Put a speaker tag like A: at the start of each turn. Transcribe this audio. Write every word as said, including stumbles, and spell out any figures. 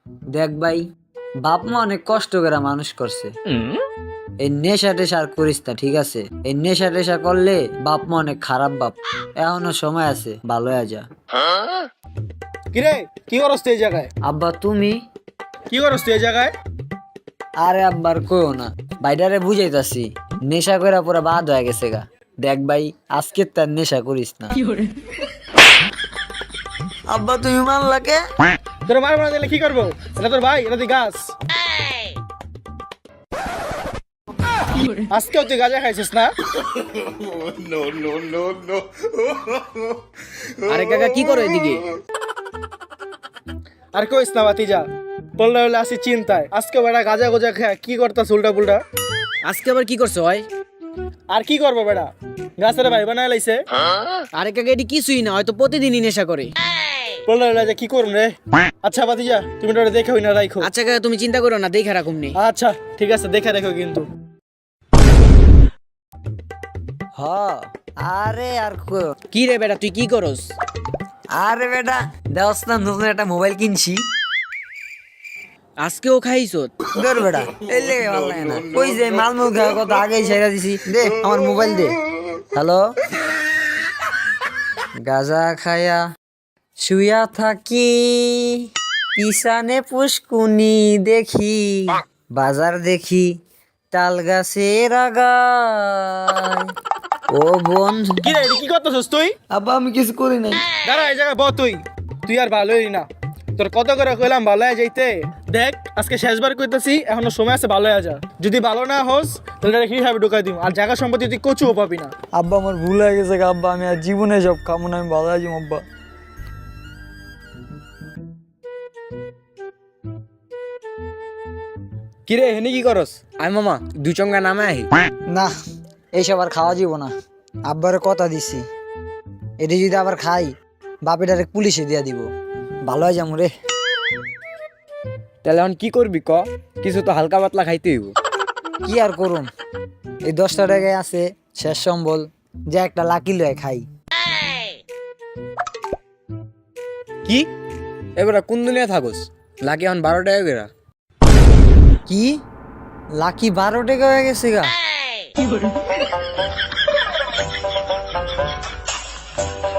A: দেখ ভাই, বাপ মা অনেক কষ্ট করে মানুষ করছে। এই নেশা টেশা আর করিস না, ঠিক আছে? এই নেশা টেশা করলে বাপ মা অনেক খারাপ বাপ। এখনো সময় আছে, ভালো হয়ে যা।
B: কিরে কি করস তুই এই জায়গায়?
A: আব্বা তুমি?
B: কি করস তুই এই জায়গায়?
A: আরে আব্বার কইও না, বাইডারে বুঝাইতাছি নেশা কইরা পুরা বাদ হয়ে গেছে গা। দেখ ভাই, আজকে তার নেশা করিস না। আব্বা তুমি মানলা কে?
B: তোর মার মারা দিলে কি করবো? এটা তোর ভাই, এটা তুই গাছ। আজকেও তুই গাঁজা খাইছিস না?
C: আরে কাকা কি করো এদিকে?
B: আর কইস না বাতিজা, বললে হলে আসি চিন্তায়। আজকে বেটা গাঁজা গোজা খায় কি করতাস উল্টা পুল্টা।
C: আজকে আবার কি করছো ভাই?
B: আর কি করবো বেটা, গাছের ভাই বানায় লাইছে।
C: আরে কাকা এটি কিছুই না, হয়তো প্রতিদিনই নেশা করে।
B: বললে হলে যে কি করুম রে। আচ্ছা বাতিজা, তুমি ওটা দেখে না রাখো।
C: আচ্ছা কাকা তুমি চিন্তা করো না, দেখে রাখুম নি।
B: আচ্ছা ঠিক আছে, দেখে রেখো কিন্তু।
A: হ, আরে আর কইও।
C: কি রে বেটা তুই কি করস?
A: আরে বেটা, দেওস না, নতুন একটা মোবাইল কিনছি।
C: আজকেও খাইছো?
A: দূর বেটা, এই লেগে ভালো লাগে না। ওই যে মালমুল খাওয়ার কথা আগেই ছেড়ে দিছি। দে আমার মোবাইল দে। হ্যালো, গাজা খায়া শুয়া থাকি, পিছানে পুষ্কুনি দেখি, বাজার দেখি তাল গাছের আগায়। ও বন্ধু।
B: কি রে এটা কি করতেছিস তুই?
A: আব্বা আমি কিছু করি নাই।
B: দাঁড়া এই জায়গায় ব তুই তুই আর ভালোই না। তোর কত করে কইলাম ভালো হয়ে যাইতে। দেখ আজকে শেষবার কইতাছি, এখনো সময় আছে, ভালো হয়ে যা। যদি ভালো না হোস তাহলে এটা কিভাবে ঢুকাই দিব, আর জায়গা সম্পত্তি তুই কচুও পাবি না।
A: আব্বা আমার ভুল হয়ে গেছে গা আব্বা, আমি আর জীবনে সব খাবো না, আমি ভালো আছি আব্বা।
C: কি রে হেনি কি করস? আয় মামা দুই চঙ্গা নামে আহি।
A: না, এইসব আর খাওয়া যাব না। আব্বারে কথা দিছি, এটি যদি আবার খাই বাপে ডাইরেক্ট পুলিশে দিয়া দিব। ভালো হয়ে যাবো রে।
C: তাহলে এখন কি করবি ক? কিছু তো হালকা পাতলা খাইতে হইব।
A: কি আর করুম, এই দশটা টাকায় আছে শেষ সম্বল, যে একটা লাকি লয়ে খাই।
C: কি এবার কোন দুনিয়া থাকস? লাগে এখন বারো টাকা করে।
A: কি লাকি বারো টাকা হয়ে গেছে গা?